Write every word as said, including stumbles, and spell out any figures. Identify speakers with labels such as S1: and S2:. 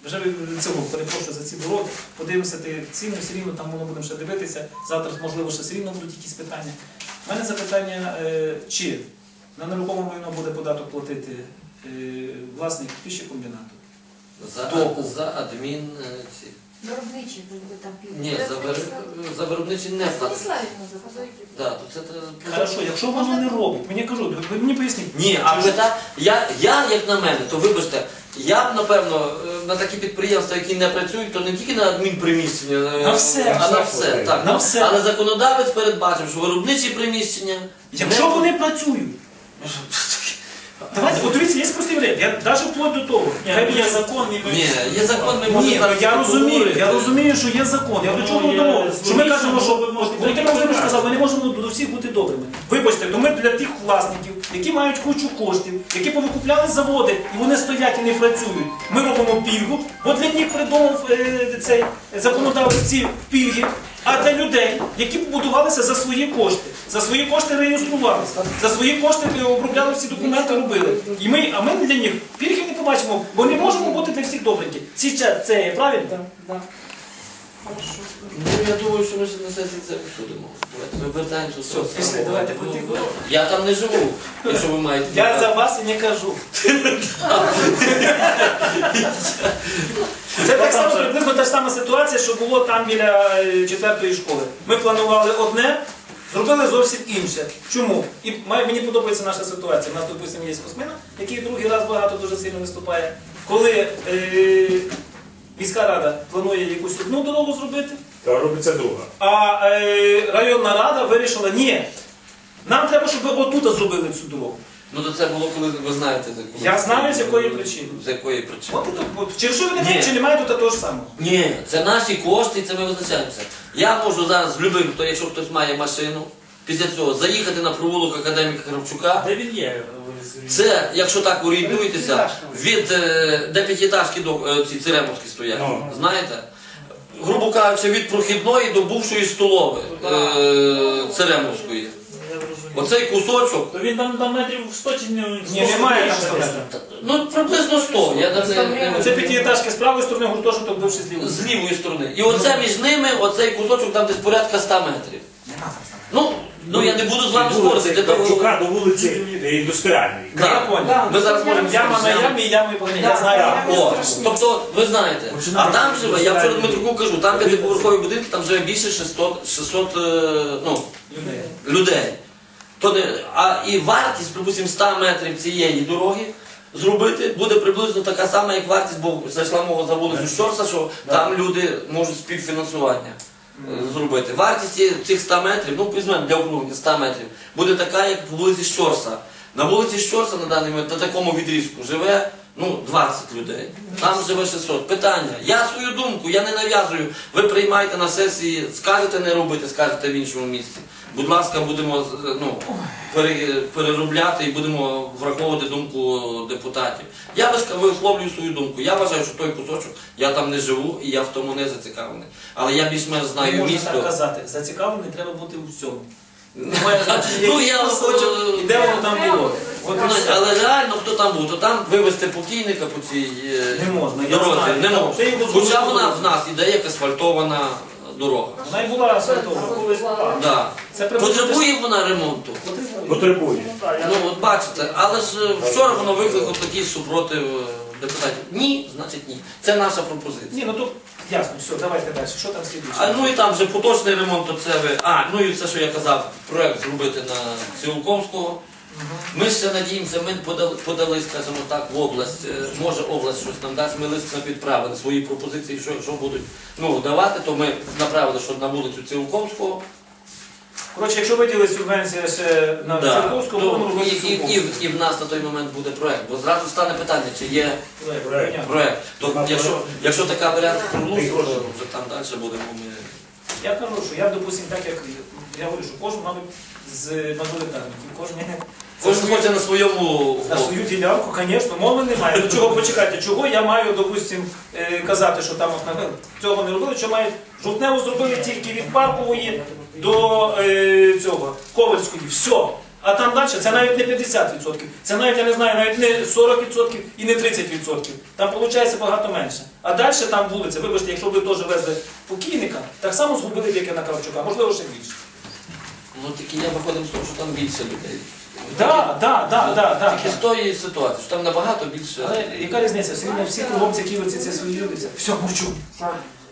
S1: вже від цього перепрошую за ці дороги, подивимося ти ціну, все рівно там воно будемо ще дивитися, завтра, можливо, ще все рівно будуть якісь питання. У мене запитання, чи на нерухоме майно буде податок платити власник піщекомбінату?
S2: За, за адмін... ці.
S3: Виробничі там пільги.
S2: Ні, за, вир... за виробничі не платить. Да, то це...
S1: Хорошо, якщо воно не робить, мені кажу, ви мені поясніть.
S2: Ні, а пита... я, я, як на мене, то вибачте, я б, напевно, на такі підприємства, які не працюють, то не тільки на адмінприміщення,
S1: на все,
S2: а на все. Так,
S1: на все.
S2: Але законодавець передбачив, що виробничі приміщення...
S1: Якщо не... вони працюють, давайте, от дивіться, є простий варіант, я навіть вплоть до того.
S4: Ні, є закон, і ми...
S2: Ні, є закон, ми можемо...
S1: Ні, я розумію, я розумію, що є закон. Я до чого тому, що ми кажемо, що Володимир Володимирович сказав, ми не можемо до всіх бути добрими. Вибачте, то ми для тих власників, які мають кучу коштів, які повикупляли заводи, і вони стоять і не працюють. Ми робимо пільгу, бо для них придумав е, цей законодавець ці пільги. А для людей, які побудувалися за свої кошти, за свої кошти реєструвалися, за свої кошти обробляли всі документи, робили. І ми, а ми для них пільги не побачимо, бо не можемо бути для всіх добренькі. Це є правильно? Так, так.
S2: Ну, я думаю, що ми ще на сесії це обсудимо. Ми вертаємося до цього.
S1: Після, давайте по тих.
S2: Я там не живу, якщо ви маєте.
S1: Я за вас і не кажу. Це так само, приблизно та ж сама ситуація, що було там біля четвертої школи. Ми планували одне, зробили зовсім інше. Чому? І мені подобається наша ситуація. У нас, допустимо, є Космина, який другий раз багато дуже сильно виступає. Коли е, міська рада планує якусь одну дорогу зробити,
S4: то робиться друга.
S1: А е, районна рада вирішила, ні, нам треба, щоб ви отут зробили цю дорогу.
S2: Ну то це було, коли ви знаєте, коли...
S1: Я знаю, з якої причини.
S2: З якої причини.
S1: От, от, от. Через що ви не маєте, чи немає тут того ж самого?
S2: Ні, це наші кошти, і це ми визначаємося. Я можу зараз з любим, хто, якщо хтось має машину, після цього заїхати на провулок академіка Кравчука.
S4: Де він є?
S2: Це, якщо так орієнтуєтеся, від е, де п'ятиэтажки до е, ці Церемовські стоять,
S4: No.
S2: знаєте? Грубо кажучи, від прохідної до бувшої столової е, Церемовської. Оцей кусочок.
S4: То він там, там метрів сто чи не...
S1: Ні, немає там сто.
S2: Ну, приблизно сто. Я навіть не- не-
S1: Це п'ятиэтажки з правої сторони, гуртожиток бивши з лівої.
S2: з лівої сторони. І оце між ними, оцей кусочок там десь порядка ста метрів. Ну, ну я не буду з вами спорити. для того-
S4: Кравчука до вулиці індустріальної.
S2: Да.
S1: Я понял.
S2: Ми зараз можемо
S1: Яма на ямі, ями по я знаю.
S2: О, тобто, ви знаєте, а там живе, я вчора Дмитруку кажу, там п'ятиповерхові будинки, там живе більше шістсот, шістсот е, ну, людей. То не, а і вартість, припустимо, ста метрів цієї дороги зробити буде приблизно така сама, як вартість, бо зайшла мова за вулицю Щорса, що там люди можуть співфінансування е, зробити. Вартість ці- цих ста метрів, ну візьмемо для округлення ста метрів, буде така, як по вулиці Щорса. На вулиці Щорса на даний момент, на такому відрізку, живе ну, двадцять людей. Там живе шістсот. Питання. Я свою думку, я не нав'язую. Ви приймаєте на сесії, скажете не робити, скажете в іншому місці. Будь ласка, будемо ну, пере- переробляти і будемо враховувати думку депутатів. Я вис- висловлюю свою думку. Я вважаю, що той кусочок, я там не живу і я в тому не зацікавлений. Але я більш-менш
S1: Не
S2: знаю
S1: можна так
S2: місто.
S1: казати. Зацікавлений треба бути у всьому. Немає значення,
S2: Ну,
S1: який
S2: я,
S1: кусочок
S2: е,
S1: і де воно там було. От і
S2: Ну,
S1: все.
S2: але реально, хто там був, то там вивезти покійника по цій е,
S1: Не можна, я
S2: дорозі.
S1: знаю.
S2: Не
S1: Там
S2: можна.
S1: ще й
S2: Хоча
S1: дозволено
S2: вона
S1: було.
S2: в нас іде як асфальтована дорога.
S1: Вона і була асфальтована.
S2: Да.
S1: Це приблизно
S2: Потребує вона ремонту.
S4: Потребує.
S2: Ну от бачите, але ж е, вчора воно викликало такий супротив е, депутатів. Ні, значить ні. Це наша пропозиція.
S1: Ні, ну тут ясно, все, давайте далі. Що там слідуюче?
S2: А ну і там вже поточний ремонт, то це ви. А, ну і це, що я казав, проект зробити на Цілковського. Ми ще надіємося, ми подали, подали, скажімо так, в область, е, може область щось нам дасть, ми лист відправили свої пропозиції, що якщо будуть ну, давати, то ми направили, що на вулицю Цілковського.
S1: Коротше, якщо виділи субвенція ще на
S2: Да,
S1: Церковську,
S2: то
S1: будемо робити
S2: і, і, і, в- і в нас на той момент буде проект, бо зразу стане питання, чи є
S4: Проект.
S2: проект. То,
S4: Нема
S2: якщо,
S4: проекту.
S2: якщо така варіант проголосує,
S4: Гроші.
S2: то вже там далі будемо ми.
S1: Я кажу, що я, допустим, так як я говорю, що кожен, мабуть, з мажоритарників, кожен
S2: Кожен хоче на своєму
S1: на свою ділянку, звісно, мови немає. До чого почекайте, чого я маю, допустим, е, казати, що там от, на- цього не робили, що мають жовтневу зробили тільки від Паркової до е, цього Ковальської. Все. А там далі це навіть не п'ятдесят відсотків, це навіть, я не знаю, навіть не сорок відсотків і не тридцять відсотків. Там виходить багато менше. А далі там вулиця, вибачте, якщо ви теж везли покійника, так само згубили б, як і на Кравчука, можливо, ще більше.
S2: Ну тільки я виходимо з того, що там більше людей.
S1: Так, так, так, так, так.
S2: Тільки з тої ситуації, що там набагато більше.
S1: Але яка різниця? Все рівно всі кругом ці київці, це свої люди. Все, мовчу.